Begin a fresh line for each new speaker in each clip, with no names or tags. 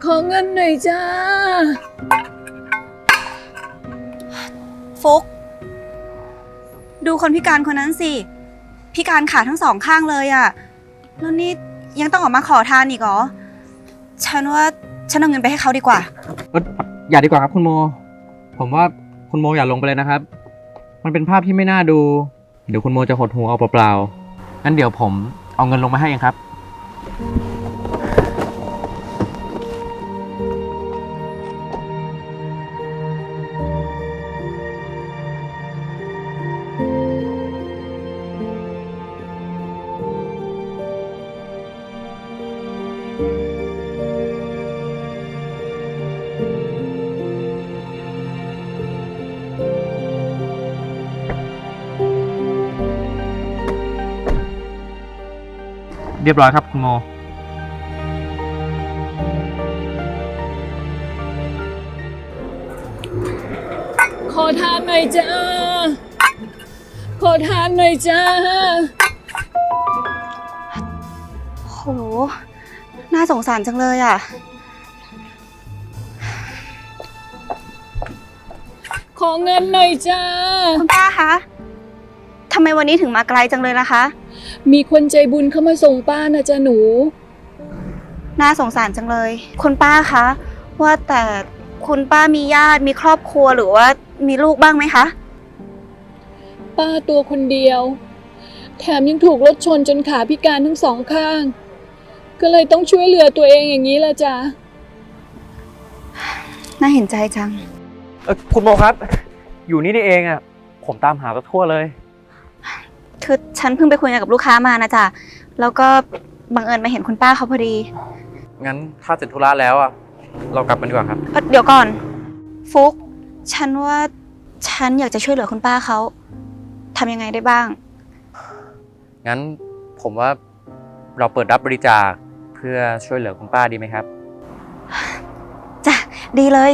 อเงินหน่อยจ้า
ฟุกดูคนพิการคนนั้นสิพิการขาทั้งสองข้างเลยอะแล้วนี่ยังต้องออกมาขอทานอีกเหรอฉันว่าฉันเอาเงินไปให้เขาดีกว่า
อย่าดีกว่าครับคุณโมผมว่าคุณโมอย่าลงไปเลยนะครับมันเป็นภาพที่ไม่น่าดูเดี๋ยวคุณโมจะหดหูเอาเปล่าๆงั้นเดี๋ยวผมเอาเงินลงมาให้เองครับเรียบร้อยครับคุณโม
ขอทานหน่อยจ้าขอทานหน่อยจ้า
โหน่าสงสารจังเลยอะ
ขอเงินหน่อยจ้า
คุณป้าคะทำไมวันนี้ถึงมาไกลจังเลยล่ะคะ
มีคนใจบุญเข้ามาส่งป้านะจ๊ะหนู
น่าสงสารจังเลยคุณป้าคะว่าแต่คุณป้ามีญาติมีครอบครัวหรือว่ามีลูกบ้างไหมคะ
ป้าตัวคนเดียวแถมยังถูกรถชนจนขาพิการทั้งสองข้างก็เลยต้องช่วยเหลือตัวเองอย่างนี้ละจ้ะ
น่าเห็นใจจัง
คุณโมครับอยู่นี่เองอ่ะผมตามหาทั่วเลย
คือฉันเพิ่งไปคุยกับลูกค้ามานะจ๊ะแล้วก็บังเอิญมาเห็นคุณป้าเขาพอดี
งั้นถ้าเสร็จธุระแล้วอ่ะเรากลับกันดีกว่าครับ
เดี๋ยวก่อนฟุกฉันว่าฉันอยากจะช่วยเหลือคุณป้าเขาทำยังไงได้บ้าง
งั้นผมว่าเราเปิดรับบริจาคเพื่อช่วยเหลือคุณป้าดีไหมครับ
จ้ะดีเลย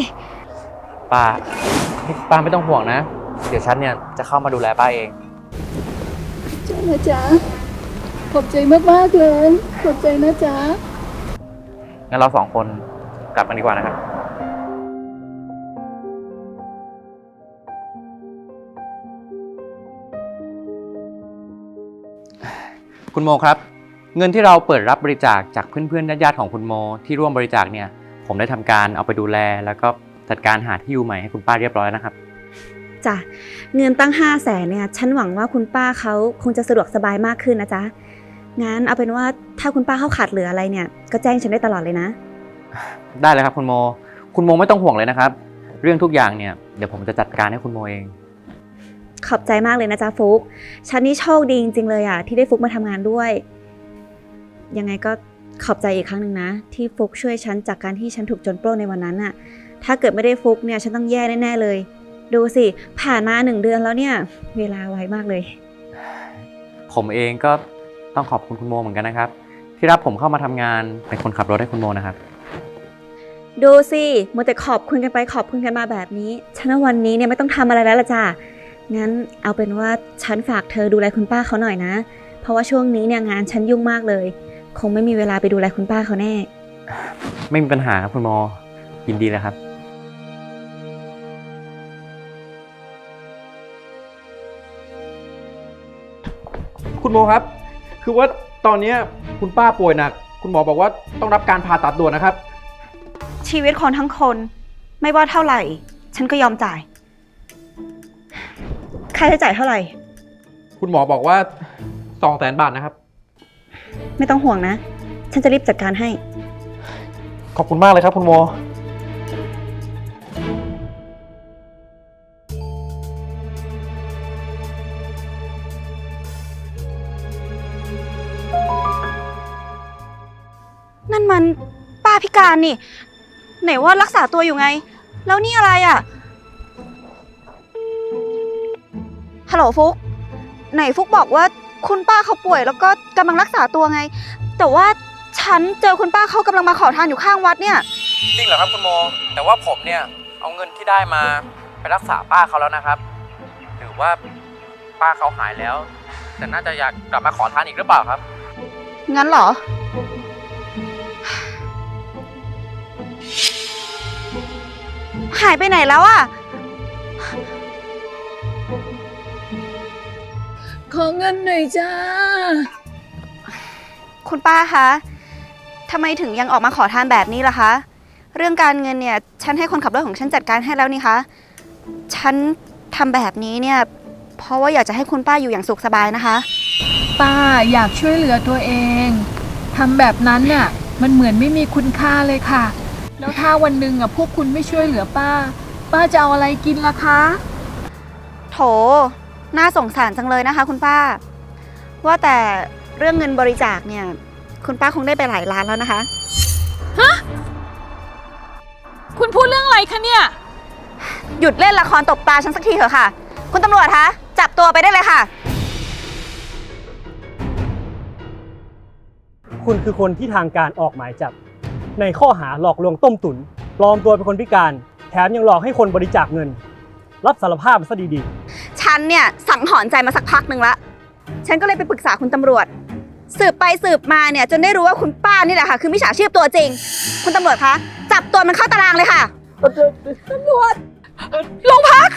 ป้าไม่ต้องห่วงนะเดี๋ยวฉันเนี่ยจะเข้ามาดูแลป้าเอง
จ้านะจ๊ะขอบใจมากๆเลยขอบใจนะจ๊ะ
งั้นเราสองคนกลับกันดีกว่านะครับคุณโมครับเงินที่เราเปิดรับบริจาคจากเพื่อนๆญาติๆของคุณโมที่ร่วมบริจาคเนี่ยผมได้ทำการเอาไปดูแลแล้วก็จัดการหาที่อยู่ใหม่ให้คุณป้าเรียบร้อยนะครับ
จ้ะเงินตั้ง500,000เนี่ยฉันหวังว่าคุณป้าเขาคงจะสะดวกสบายมากขึ้นนะจ๊ะงั้นเอาเป็นว่าถ้าคุณป้าเขาขาดเหลืออะไรเนี่ยก็แจ้งฉันได้ตลอดเลยนะ
ได้เลยครับคุณโมไม่ต้องห่วงเลยนะครับเรื่องทุกอย่างเนี่ยเดี๋ยวผมจะจัดการให้คุณโมเอง
ขอบใจมากเลยนะจ๊ะฟุกฉันนี่โชคดีจริงๆเลยอ่ะที่ได้ฟุกมาทำงานด้วยยังไงก็ขอบใจอีกครั้งหนึ่งนะที่ฟุกช่วยฉันจากการที่ฉันถูกโจรปล้นในวันนั้นอ่ะถ้าเกิดไม่ได้ฟุกเนี่ยฉันต้องแย่แน่ๆเลยดูสิผ่านมา1 เดือนแล้วเนี่ยเวลาไวมากเลย
ผมเองก็ต้องขอบคุณคุณโมเหมือนกันนะครับที่รับผมเข้ามาทำงานเป็นคนขับรถให้คุณโมนะครับ
ดูสิมัวแต่ขอบคุณกันไปขอบคุณกันมาแบบนี้ฉันว่าวันนี้เนี่ยไม่ต้องทำอะไรแล้วล่ะจ้ะงั้นเอาเป็นว่าฉันฝากเธอดูแลคุณป้าเขาหน่อยนะเพราะว่าช่วงนี้เนี่ยงานฉันยุ่งมากเลยคงไม่มีเวลาไปดูแลคุณป้าเขาแน่
ไม่มีปัญหาครับคุณโมยินดีเลยครับคุณโมครับคือว่าตอนนี้คุณป้าป่วยหนักคุณหมอบอกว่าต้องรับการผ่าตัดด่วนนะครับ
ชีวิตคนทั้งคนไม่ว่าเท่าไหร่ฉันก็ยอมจ่ายค่าใช้จ่ายเท่าไหร่
คุณหมอบอกว่า200,000 บาทนะครับ
ไม่ต้องห่วงนะฉันจะรีบจัดการให้
ขอบคุณมากเลยครับคุณโม
นั่นมันป้าพิการนี่ไหนว่ารักษาตัวอยู่ไงแล้วนี่อะไรอ่ะฮัลโหลฟุกไหนฟุกบอกว่าคุณป้าเขาป่วยแล้วก็กำลังรักษาตัวไงแต่ว่าฉันเจอคุณป้าเขากำลังมาขอทานอยู่ข้างวัดเนี่ย
จริงเหรอครับคุณโมแต่ว่าผมเนี่ยเอาเงินที่ได้มาไปรักษาป้าเขาแล้วนะครับหรือว่าป้าเขาหายแล้วแต่น่าจะอยากกลับมาขอทานอีกหรือเปล่าครับ
งั้นเหรอหายไปไหนแล้วอะ
ขอเงินหน่อยจ้า
คุณป้าคะทำไมถึงยังออกมาขอทานแบบนี้ล่ะคะ เรื่องการเงินเนี่ยฉันให้คนขับรถของฉันจัดการให้แล้วนี่คะฉันทำแบบนี้เนี่ยเพราะว่าอยากจะให้คุณป้าอยู่อย่างสุขสบายนะคะ
ป้าอยากช่วยเหลือตัวเองทำแบบนั้นน่ะมันเหมือนไม่มีคุณค่าเลยค่ะ แล้วถ้าวันหนึ่งอ่ะพวกคุณไม่ช่วยเหลือป้า ป้าจะเอาอะไรกินล่ะคะ
โถน่าสงสารจังเลยนะคะ คุณป้า ว่าแต่เรื่องเงินบริจาคเนี่ยคุณป้าคงได้ไปหลายล้านแล้วนะคะ
คุณพูดเรื่องอะไรคะเนี่ย
หยุดเล่นละครตบตาฉันสักทีเถอะค่ะ คุณตำรวจคะจับตัวไปได้เลยค่ะ
คุณคือคนที่ทางการออกหมายจับในข้อหาหลอกลวงต้มตุ๋นปลอมตัวเป็นคนพิการแถมยังหลอกให้คนบริจาคเงิน รับสารภาพมาซะดี
ฉันเนี่ยสังหรณ์ใจมาสักพักหนึ่งละฉันก็เลยไปปรึกษาคุณตำรวจ สืบไปสืบมาเนี่ยจนได้รู้ว่าคุณป้านี่แหละค่ะคือมิจฉาชีพตัวจริง คุณตำรวจคะจับตัวมันเข้าตารางเลยค่ะตำรวจโรงพัก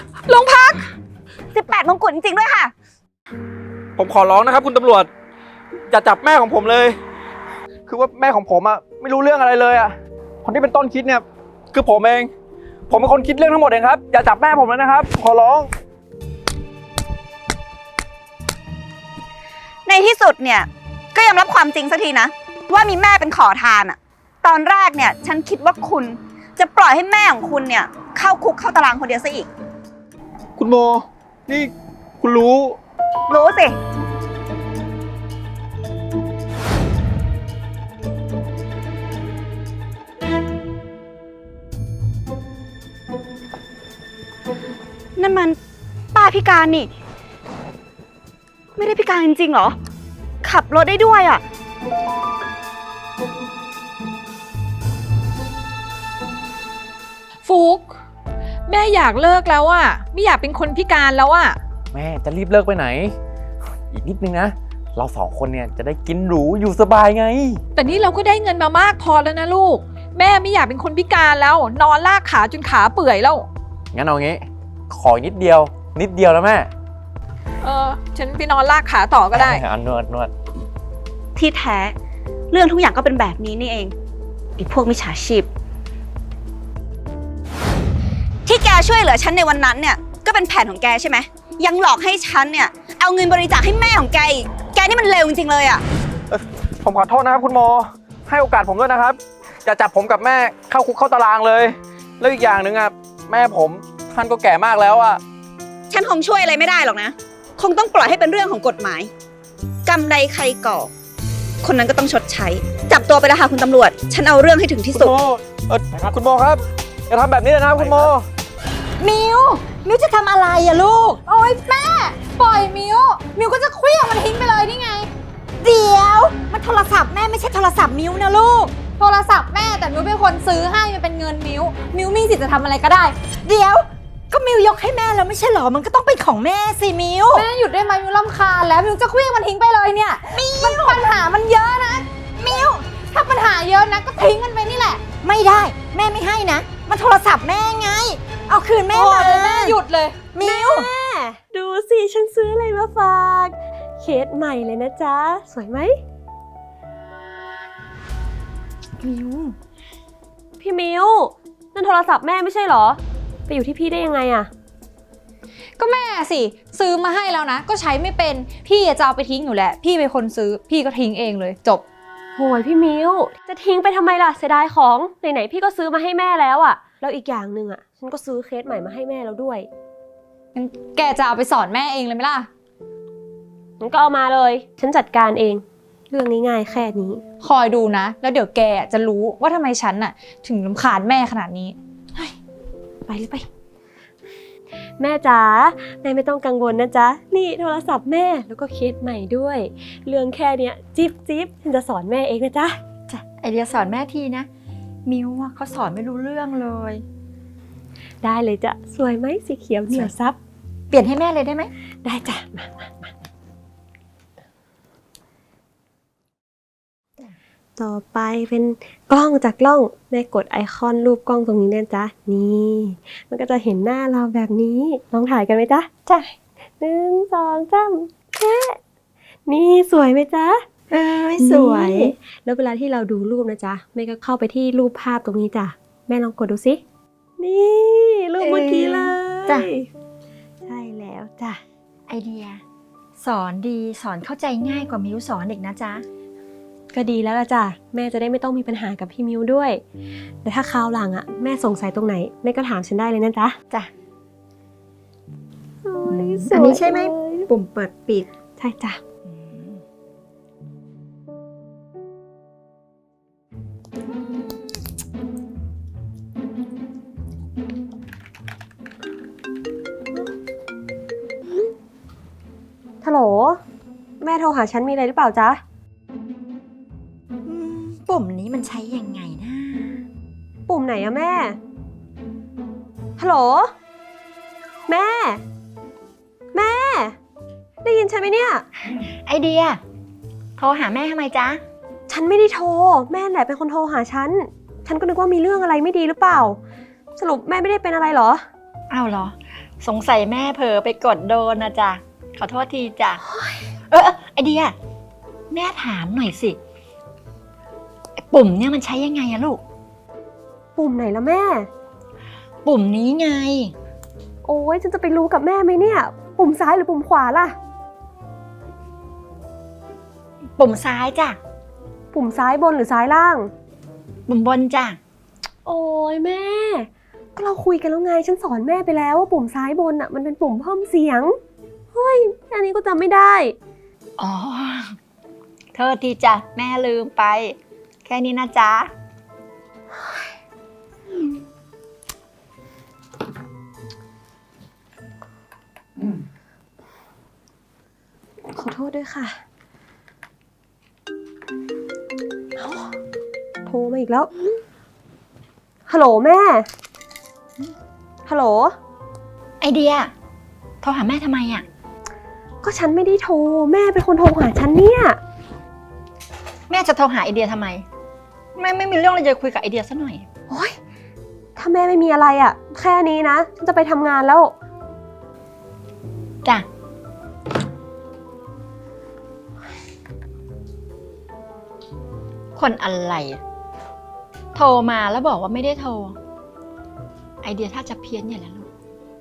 18 มงกุฎจริงๆด้วยค่ะ
ผมขอร้องนะครับคุณตำรวจอย่าจับแม่ของผมเลย คือว่าแม่ของผมอะไม่รู้เรื่องอะไรเลยอะคนที่เป็นต้นคิดเนี่ยคือผมเอง ผมเป็นคนคิดเรื่องทั้งหมดเองครับอย่าจับแม่ผมเลยนะครับ ขอร้อง
ในที่สุดเนี่ยก็ยอมรับความจริงสักทีนะว่ามีแม่เป็นขอทานอะตอนแรกเนี่ยฉันคิดว่าคุณจะปล่อยให้แม่ของคุณเนี่ยเข้าคุกเข้าตารางคนเดียวซะอีก
คุณโมนี่คุณรู้
รู้สินั่นมันป้าพิการนี่ ไม่ได้พิการจริงๆเหรอ ขับรถได้ด้วยอ่ะ
ฟุกแม่อยากเลิกแล้วอ่ะไม่อยากเป็นคนพิการแล้วอ่ะ
แม่จะรีบเลิกไปไหน อีกนิดนึงนะเราสองคนเนี่ยจะได้กินหรูอยู่สบายไง
แต่นี่เราก็ได้เงินมามากพอแล้วนะลูก แม่ไม่อยากเป็นคนพิการแล้ว นอนลากขาจนขาเปื่อยแล้ว
งั้นเอางี้ ขออีกนิดเดียวแล้วแม่
ฉันไปนอนลากขาต่อก็ได้
นวด
ที่แท้เรื่องทุกอย่างก็เป็นแบบนี้นี่เองไอ้พวกมิจฉาชีพ ที่แกช่วยเหลือฉันในวันนั้นเนี่ยก็เป็นแผนของแกใช่ไหมยังหลอกให้ฉันเนี่ยเอาเงินบริจาคให้แม่ของแกอีกแกนี่มันเลวจริงๆเลยอ่ะ
ผมขอโทษนะครับคุณโมให้โอกาสผมด้วยนะครับอย่าจับผมกับแม่เข้าคุกเข้าตารางเลยแล้วอีกอย่างหนึ่งอ่ะแม่ผมท่านก็แก่มากแล้วอ่ะ
ฉันคงช่วยอะไรไม่ได้หรอกนะ คงต้องปล่อยให้เป็นเรื่องของกฎหมายกรรมใดใครก่อคนนั้นก็ต้องชดใช้จับตัวไปแล้วค่ะคุณตำรวจฉันเอาเรื่องให้ถึงที่
คุณ
สุด
โมคุณโมครับอย่าทำแบบนี้เลยนะครับคุณโม
มิวจะทำอะไรอะลูก โอ๊ยแม่ ปล่อยมิวก็จะเคลี้ยงมันทิ้งไปเลยนี่ไง เดี๋ยวมันโทรศัพท์แม่ไม่ใช่โทรศัพท์มิวนะลูก โทรศัพท์แม่แต่มิวเป็นคนซื้อให้มันเป็นเงินมิวมีสิทธิ์จะทำอะไรก็ได้ เดี๋ยวก็มิวยกให้แม่แล้วไม่ใช่หรอมันก็ต้องเป็นของแม่สิมิวแม่หยุดได้ไหมมิวรำคาญแล้วมิวจะเคลี้ยงมันทิ้งไปเลยเนี่ยมันปัญหามันเยอะนะมิวถ้าปัญหาเยอะนะก็ทิ้งมันไปนี่แหละ ไม่ได้แม่ไม่ให้นะมันโทรศัพท์แม่ไงเอาคืนแม่มาแม่หยุดเลยมิว
ดูสิฉันซื้ออะไรมาฝากเคสใหม่เลยนะจ๊ะสวยไหมมิวพี่มิวนั่นโทรศัพท์แม่ไม่ใช่เหรอไปอยู่ที่พี่ได้ยังไงอะ
ก็แม่สิซื้อมาให้แล้วนะก็ใช้ไม่เป็นพี่จะเอาไปทิ้งอยู่แหละพี่เป็นคนซื้อพี่ก็ทิ้งเองเลยจบ
โหยพี่มิวจะทิ้งไปทำไมล่ะเสียดายของไหนๆพี่ก็ซื้อมาให้แม่แล้วอะแล้วอีกอย่างหนึ่งอะฉันก็ซื้อเคสใหม่มาให้แม่แล้วด้วย
งั้นแกจะเอาไปสอนแม่เองเลยไหมล่ะ
งั้นก็เอามาเลยฉันจัดการเองเรื่องง่ายๆแค่นี้
คอยดูนะแล้วเดี๋ยวแกจะรู้ว่าทำไมฉันน่ะถึงรำคาญแม่ขนาดนี้
ไปเลยไปแม่จ๋าแม่ไม่ต้องกังวลนะจ๊ะนี่โทรศัพท์แม่แล้วก็เคสใหม่ด้วยเรื่องแค่เนี้ยจิ๊บฉันจะสอนแม่เองนะจ๊ะ
จ้ะไอเดียสอนแม่ทีนะมิวเขาสอนไม่รู้เรื่องเลย
ได้เลยจ้ะสวยไหมสีเขียวเหนียวซับ
เปลี่ยนให้แม่เลยได้ไหม
ได้จ้ะมาต่อไปเป็นกล้องจากกล้องแม่กดไอคอนรูปกล้องตรงนี้นะจ๊ะนี่มันก็จะเห็นหน้าเราแบบนี้ลองถ่ายกันไหมจ๊ะจ้ะ1 2 3แค่นี่สวยไหมจ๊ะ
สวย
นี่แล้วเวลาที่เราดูรูปนะจ๊ะแม่ก็เข้าไปที่รูปภาพตรงนี้จ้ะแม่ลองกดดูสินี่รูปเมื่อกี้เลย
จ้ะ
ใช่แล้วจ้ะ
ไอเดีย สอนดีสอนเข้าใจง่ายกว่ามิวสอนอีกนะจ๊ะ
ก็ดีแล้วล่ะจ้ะแม่จะได้ไม่ต้องมีปัญหากับพี่มิวด้วยแต่ถ้าคราวหลังอ่ะแม่สงสัยตรงไหนแม่ก็ถามฉันได้เลยนะจ๊ะ
จ้ะ
โอ้ยสวย
อันนี้ใช่ไหม
เลย
ปุ่มเปิดปิด
ใช่จ้ะฮัลโหลแม่โทรหาฉันมีอะไรหรือเปล่าจ๊ะ
ปุ่มนี้มันใช้ยังไงนะ
ปุ่มไหนอะแม่ ฮัลโหล แม่ แม่ ได้ยินฉันไหมเนี่ย
ไอเดีย โทรหาแม่ทำไมจ๊ะ
ฉันไม่ได้โทร แม่แหละเป็นคนโทรหาฉัน ฉันก็นึกว่ามีเรื่องอะไรไม่ดีหรือเปล่า สรุปแม่ไม่ได้เป็นอะไรเหรอ
อ้าวเหรอ สงสัยแม่เผลอไปกดโดนนะจ๊ะ ขอโทษทีจ้ะ ไอเดีย แม่ถามหน่อยสิไอ้ปุ่มเนี่ยมันใช้ยังไงอะลูก
ปุ่มไหนละแม่
ปุ่มนี้ไง
โอ้ยฉันจะไปรู้กับแม่ไหมเนี่ย ปุ่มซ้ายหรือปุ่มขวาล่ะ
ปุ่มซ้ายจ้ะ
ปุ่มซ้ายบนหรือซ้ายล่าง
ปุ่มบนจ้ะ
โอ้ยแม่ ก็เราคุยกันแล้วไง ฉันสอนแม่ไปแล้วว่าปุ่มซ้ายบนอ่ะมันเป็นปุ่มเพิ่มเสียง เฮ้ยอันนี้ก็จำไม่ได้
อ๋อโทษทีจ้ะ แม่ลืมไป แค่นี้นะจ๊ะ
ขอโทษด้วยค่ะเอ้าโทรมาอีกแล้ว ฮัลโหลแม่ ฮัลโหล
ไอเดีย โทรหาแม่ทำไมอะ
ก็ฉันไม่ได้โทร แม่เป็นคนโทรหาฉันเนี่ย
แม่จะโทรหาไอเดียทำไม แม่ไม่มีเรื่องอะไรจะคุยกับไอเดียซะหน่อย
โอ๊ย ถ้าแม่ไม่มีอะไรอ่ะ แค่นี้นะ ฉันจะไปทำงานแล้ว
จ้ะ คนอะไรอะโทรมาแล้วบอกว่าไม่ได้โทร ไอเดียถ้าจะเพี้ยนอย่างนั้นลูก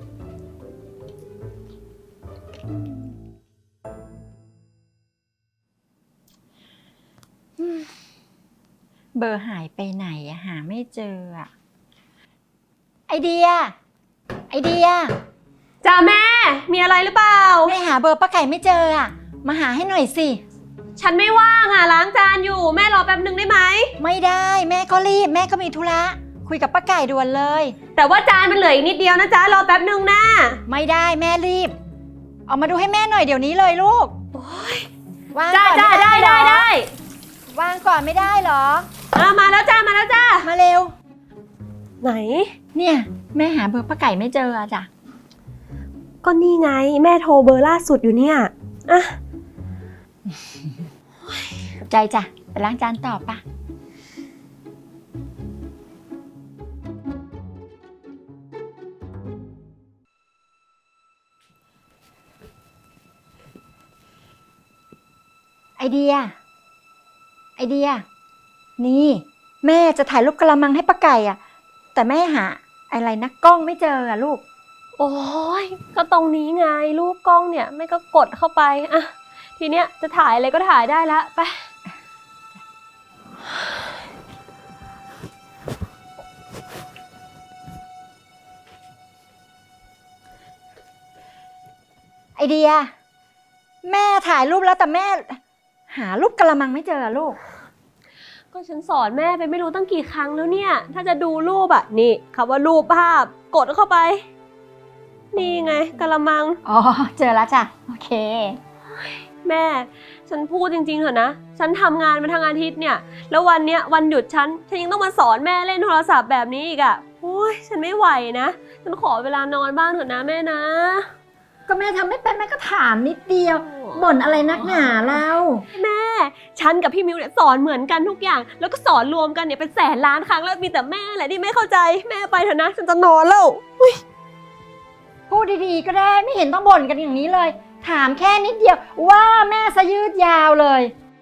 เบอร์หายไปไหนอะหาไม่เจออะไอเดีย ไอเดีย
จ้าแม่ มีอะไรหรือเปล่า
แม่หาเบอร์ป้าไก่ไม่เจออะมาหาให้หน่อยสิ
ฉันไม่ว่างอ่ะล้างจานอยู่ แม่รอแป๊บนึงได้ไหม
ไม่ได้แม่ก็รีบแม่ก็มีธุระคุยกับป้าไก่ด่วนเลย
แต่ว่าจานมันเหลืออีกนิดเดียวนะจ๊ะ รอแป๊บนึงนะ
ไม่ได้แม่รีบ เอามาดูให้แม่หน่อยเดี๋ยวนี้เลยลูกวาง
จ้า
ก่อน
จ้า
ม่
ได้
เหร
ได้
อ
ได้
วางก่อนไม่ได้เหรอ
มาแล้วจ้า มาแล้วจ้า
มาเร็ว
ไหน
เนี่ยแม่หาเบอร์ป้าไก่ไม่เจออะจ้ะ
ก็นี่ไง แม่โทรเบอร์ล่าสุดอยู่เนี่ยอ่ะ
ใจจ้ะไปล้างจานต่อปะไอเดีย ไอเดีย นี่ แม่จะถ่ายรูปกระมังให้ป้าไก่อะแต่แม่หาอะไรนะกล้องไม่เจออะลูก
โอ้ยก็ตรงนี้ไงรูปกล้องเนี่ยแม่ก็กดเข้าไปอ่ะทีเนี้ยจะถ่ายอะไรก็ถ่ายได้ละไป
ไอเดีย แม่ถ่ายรูปแล้วแต่แม่ หารูปกระมังไม่เจออะลูก
ก็ฉันสอนแม่ไปไม่รู้ตั้งกี่ครั้งแล้วเนี่ย ถ้าจะดูรูปอ่ะนี่คำว่ารูปภาพกดเข้าไป นี่ไงกะละมัง
อ๋อ เจอแล้วจ้ะ โอเค
แม่ ฉันพูดจริงๆเถอะนะ ฉันทำงานมาทั้งอาทิตย์เนี่ย แล้ววันเนี้ยวันหยุดฉันยังต้องมาสอนแม่เล่นโทรศัพท์แบบนี้อีกอ่ะโอ้ยฉันไม่ไหวนะ ฉันขอเวลานอนบ้างเถอะนะแม่นะ
ก็แม่ทำไม่เป็นแม่ก็ถามนิดเดียวบ่นอะไรนักหนาเรา
แม่ ฉันกับพี่มิวเนี่ยสอนเหมือนกันทุกอย่าง แล้วก็สอนรวมกันเนี่ยเป็นแสนล้านครั้งแล้วมีแต่แม่แหละที่ไม่เข้าใจแม่ไปเถอะนะฉันจะนอนแล้ว
พูดดีๆก็ได้ไม่เห็นต้องบ่นกันอย่างนี้เลย ถามแค่นิดเดียวว่าแม่ซะยืดยาวเลย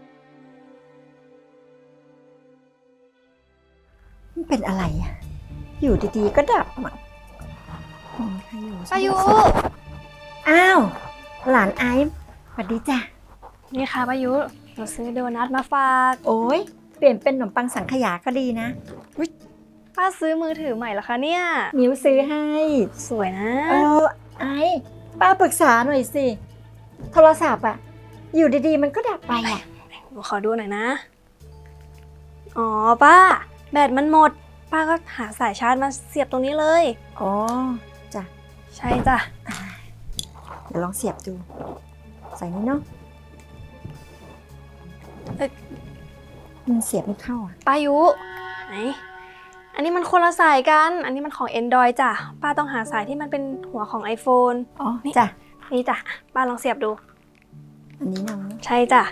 มันเป็นอะไรอ่ะอยู่ดีๆก็ดับอ่ะ
ป้ายุ
อ้าวหลานไอซ์สวัสดีจ้ะ
นี่ค่ะป้ายุหนูซื้อโดนัทมาฝาก
โอ้ยเปลี่ยนเป็นขนมปังสังขยาก็ดีนะ
ป้าซื้อมือถือใหม่เหรอคะเนี่ย
มิวซื้อให้
สวยนะ
ไอซ์ป้าปรึกษาหน่อยสิโทรศัพท์อ่ะอยู่ดีๆมันก็ดับไปอ่ะ
หนูขอดูหน่อยนะ อ๋อป้าแบตมันหมด ป้าก็หาสายชาร์จมาเสียบตรงนี้เลย
อ๋อจ้ะ
ใช่จ้ะ
เดี๋ยวลองเสียบดู ใส่นี่เนาะมันเสียบไม่เข้าอ่ะ
ป้ายุไหนอันนี้มันคนละสายกัน อันนี้มันของ Android จ้ะ ป้าต้องหาสายที่มันเป็นหัวของ iPhone
อ๋อจ้ะ
นี่จ้ะ ป้าลองเสียบดู
อันนี้เนาะ
ใช่จ้ะ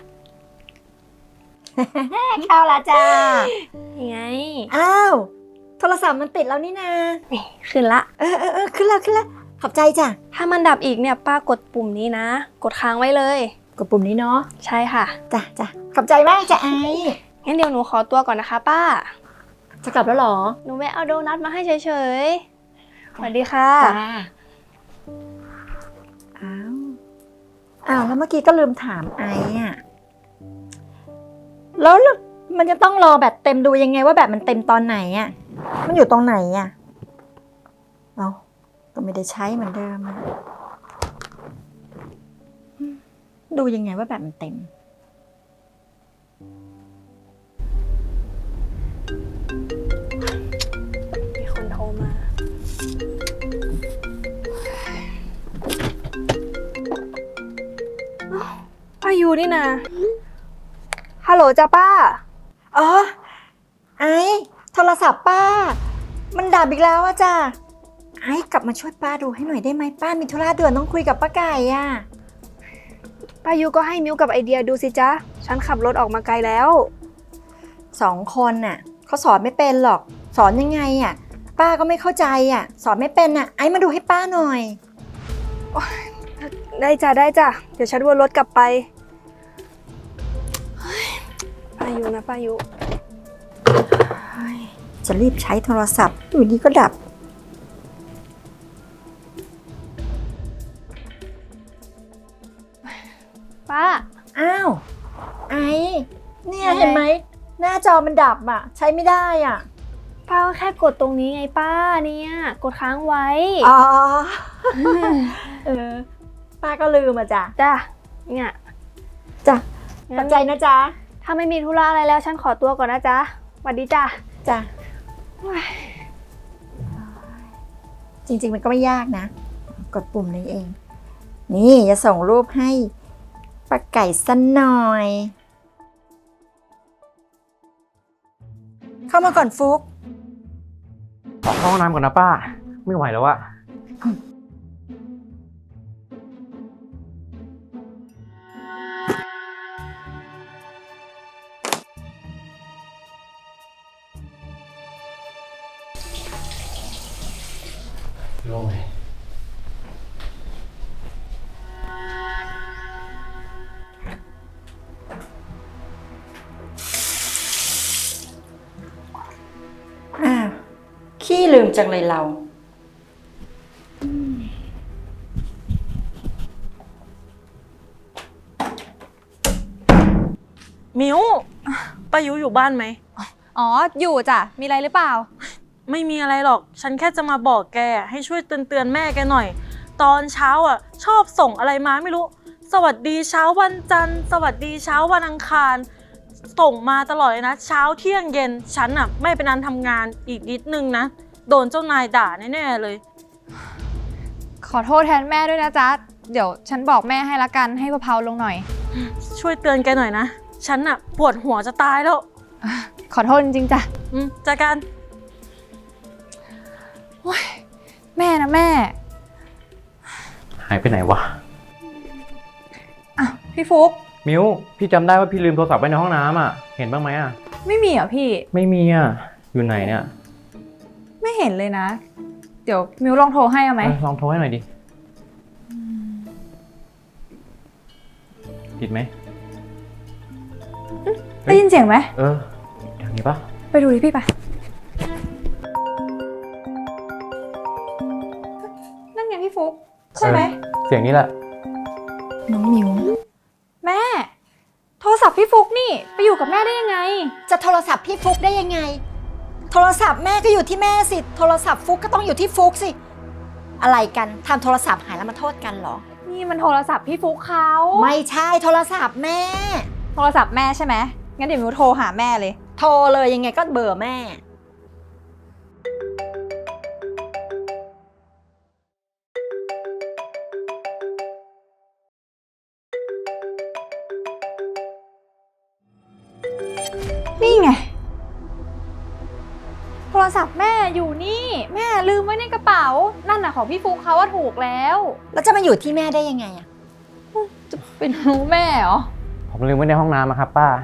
เข้าละจ้า
ยังไง
อ้าวโทรศัพท์มันติดแล้วนี่นา
นี่ขึ้นละ
ขึ้นแล้วขอบใจจ้ะ
ถ้ามันดับอีกเนี่ยป้ากดปุ่มนี้นะ กดค้างไว้เลย
กดปุ่มนี้เนาะ
ใช่ค่ะ
จ้ะขอบใจมากจ้ะไอซ์
งั้นเดี๋ยวหนูขอตัวก่อนนะคะ ป้า
จะกลับแล้วเหรอ
หนูแวะเอาโดนัทมาให้เฉยๆ สวัสดีค่ะ
จ้าอ้าวแล้วเมื่อกี้ก็ลืมถามไอซ์อ่ะแล้วมันจะต้องรอแบตเต็มดูยังไงว่าแบตมันเต็มตอนไหนอ่ะมันอยู่ตรงไหนอ่ะเอาก็ไม่ได้ใช้เหมือนเดิมอะดูยังไงว่าแบตมันเต็ม
มีคนโทรมา ป้ายูนี่นะฮัลโหลจ้าป้า
อ๋อไอ้โทรศัพท์ป้า มันดับอีกแล้วอะจ้ะไอ้กลับมาช่วยป้าดูให้หน่อยได้ไหมป้ามีธุระด่วนต้องคุยกับป้าไก่อะ
ป้ายูก็ให้มิวกับไอเดียดูสิจ๊ะ ฉันขับรถออกมาไกลแล้ว
2 คนน่ะเขาสอนไม่เป็นหรอกสอนยังไงอะป้าก็ไม่เข้าใจอะสอนไม่เป็นอะไอ้มาดูให้ป้าหน่อย
ได้จ้ะได้จ้ะ เดี๋ยวฉันวนรถกลับไปเฮ้ยป้ายูนะป้ายู
จะรีบใช้โทรศัพท์อยู่ดีก็ดับ
ป้า
อ้าวไอ้เนี่ยเห็นไหมหน้าจอมันดับอะใช้ไม่ได้อะ
ป้าก็แค่กดตรงนี้ไงป้าเนี่ยกดค้างไว้
อ๋อป้าก็ลืมอะจ้ะ
จ้ะเนี่ย
จ้ะข
งั้
อน บใจนะจ๊ะ
ถ้าไม่มีธุระอะไรแล้วฉันขอตัวก่อนนะจ๊ะสวัสดีจ้ะ
จ้ะจริงๆมันก็ไม่ยากนะ กดปุ่มนี้เอง นี่จะส่งรูปให้ป้าไก่สักหน่อย เข้ามาก่อนฟุก
ขอเข้าห้องน้ำก่อนนะป้า ไม่ไหวแล้วอะโล่งเลย
อ้าวขี้ลืมจังเลยเรา
มิวป้ายุอยู่บ้านไหม
อ๋อ อยู่จ้ะ มีอะไรหรือเปล่า
ไม่มีอะไรหรอก ฉันแค่จะมาบอกแกให้ช่วยเตือนแม่แกหน่อย ตอนเช้าอ่ะชอบส่งอะไรมาไม่รู้ สวัสดีเช้าวันจันทร์ สวัสดีเช้าวันอังคาร ส่งมาตลอดเลยนะ เช้าเที่ยงเย็น ฉันอ่ะไม่เป็นอันทำงานอีกนิดนึงนะ โดนเจ้านายด่าแน่ๆเลย
ขอโทษแทนแม่ด้วยนะจ๊ะ เดี๋ยวฉันบอกแม่ให้ละกัน ให้เผาๆลงหน่อย
ช่วยเตือนแกหน่อยนะ ฉันอ่ะปวดหัวจะตายแล้ว
ขอโทษจริงๆจ้ะ
จากการ
แม่นะแม่
หายไปไหนวะ
อ่ะพี่ฟุก
มิวพี่จำได้ว่าพี่ลืมโทรศัพท์ไว้ในห้องน้ำอ่ะ เห็นบ้างไหมอ่ะ
ไม่มีเหรอพี่
ไม่มีอ่ะ อยู่ไหนเนี่ย
ไม่เห็นเลยนะ เดี๋ยวมิวลองโทรให้เอาไหม
ลองโทรให้หน่อยดิ ติดไหม
ได้ยินเสียงไหม
อย่างนี้ปะ
ไปดูดิพี่ไปนั่นไงพี่ฟุกใช่ไหม
เสียงนี้แหละ
น้องมิวแม่ โทรศัพท์พี่ฟุกนี่ไปอยู่กับแม่ได้ยังไง
จะโทรศัพท์พี่ฟุกได้ยังไง โทรศัพท์แม่ก็อยู่ที่แม่สิ โทรศัพท์ฟุกก็ต้องอยู่ที่ฟุกสิ อะไรกันทำโทรศัพท์หายแล้วมาโทษกันเหรอ
นี่มันโทรศัพท์พี่ฟุกเขา
ไม่ใช่โทรศัพท์แม่
โทรศัพท์แม่ใช่ไหมงั้นเดี๋ยวมิวโทรหาแม่เลย
โทรเลยยังไงก็เบอร์แม่
นี่ไง โทรศัพท์แม่อยู่นี่ แม่ลืมไว้ในกระเป๋า นั่นน่ะของพี่ฟุกเขาว่าถูกแล้ว
แล้วจะมาอยู่ที่แม่ได้ยังไงอะ
จะเป็นรู้แม่เหรอ
ผมลืมไว้ในห้องน้ำครับป้า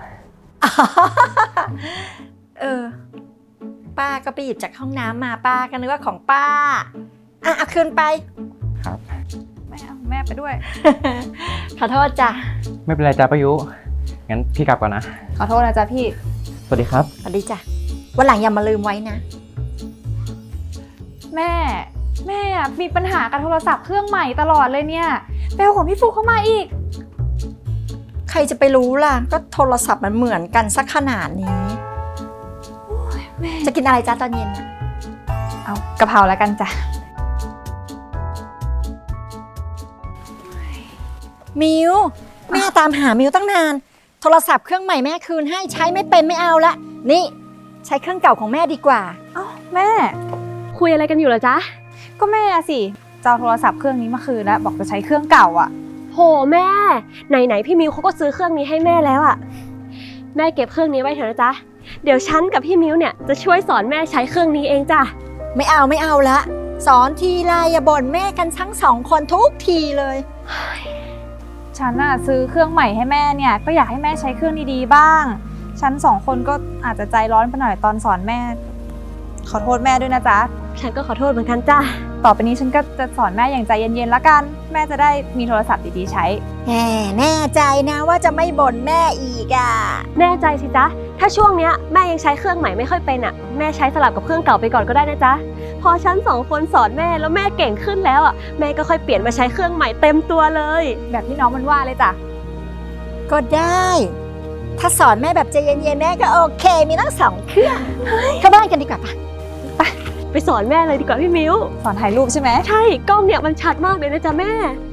ป้าก็ไปหยิบจากห้องน้ำมาป้าก็นึกว่าของป้าเอาคืนไป
ครับ
แม่เอาแม่ไปด้วย
ขอโทษจ้ะ
ไม่เป็นไรจ้าประยุ งั้นพี่กลับก่อนนะ
ขอโทษนะจ๊ะพี่
สวัสดีครับ
สวัสดีจ้ะวันหลังอย่ามาลืมไว้นะ
แม่อะมีปัญหากับโทรศัพท์เครื่องใหม่ตลอดเลยเนี่ยไปเอาของพี่ฟุกเข้ามาอีก
ใครจะไปรู้ล่ะ ก็โทรศัพท์มันเหมือนกันสักขนาดนี้
แม่
จะกินอะไรจ้าตอนเย็นน่ะ
เอากะเพราแล้วกันจ้ะ
มิวแม่ตามหามิวตั้งนาน โทรศัพท์เครื่องใหม่แม่คืนให้ใช้ไม่เป็นไม่เอาละนี่ใช้เครื่องเก่าของแม่ดีกว่า
เอ้าแม่
คุยอะไรกันอยู่เหรอจ๊ะ
ก็แม่สิจะเอาโทรศัพท์เครื่องนี้มาคืนแล้วบอกจะใช้เครื่องเก่าอ่ะ
โหแม่ไหนๆพี่มิวเขาก็ซื้อเครื่องนี้ให้แม่แล้วอะแม่เก็บเครื่องนี้ไว้เถอะนะจ๊ะเดี๋ยวฉันกับพี่มิวเนี่ยจะช่วยสอนแม่ใช้เครื่องนี้เองจ้ะ
ไม่เอาละสอนทีไรอย่าบ่นแม่กันทั้งสองคนทุกทีเลย
ฉันน่ะซื้อเครื่องใหม่ให้แม่เนี่ยก็อยากให้แม่ใช้เครื่องดีๆบ้าง ฉันสองคนก็อาจจะใจร้อนไปหน่อยตอนสอนแม่ ขอโทษแม่ด้วยนะจ๊ะ
ฉันก็ขอโทษเหมือนกันจ้ะ
ต่อไปนี้ฉันก็จะสอนแม่อย่างใจเย็นๆละกัน แม่จะได้มีโทรศัพท์ดีๆใช้
แน่ใจนะว่าจะไม่บ่นแม่อีกอ่ะ
แน่ใจสิจ๊ะถ้าช่วงเนี้ยแม่ยังใช้เครื่องใหม่ไม่ค่อยเป็นอะแม่ใช้สลับกับเครื่องเก่าไปก่อนก็ได้นะจ๊ะพอฉันสองคนสอนแม่แล้วแม่เก่งขึ้นแล้วอะแม่ก็ค่อยเปลี่ยนมาใช้เครื่องใหม่เต็มตัวเลย
แบบที่น้องมันว่าเลยจ้ะ
ก็ได้ ถ้าสอนแม่แบบใจเย็นๆแม่ก็โอเค มีทั้งสองเครื่องเข้าบ้านกันดีกว่าปะ
ไปสอนแม่เลยดีกว่าพี่มิว
สอนถ่ายรูปใช่ไหม
ใช่กล้องเนี่ยมันชัดมากเลยนะจ๊ะแม่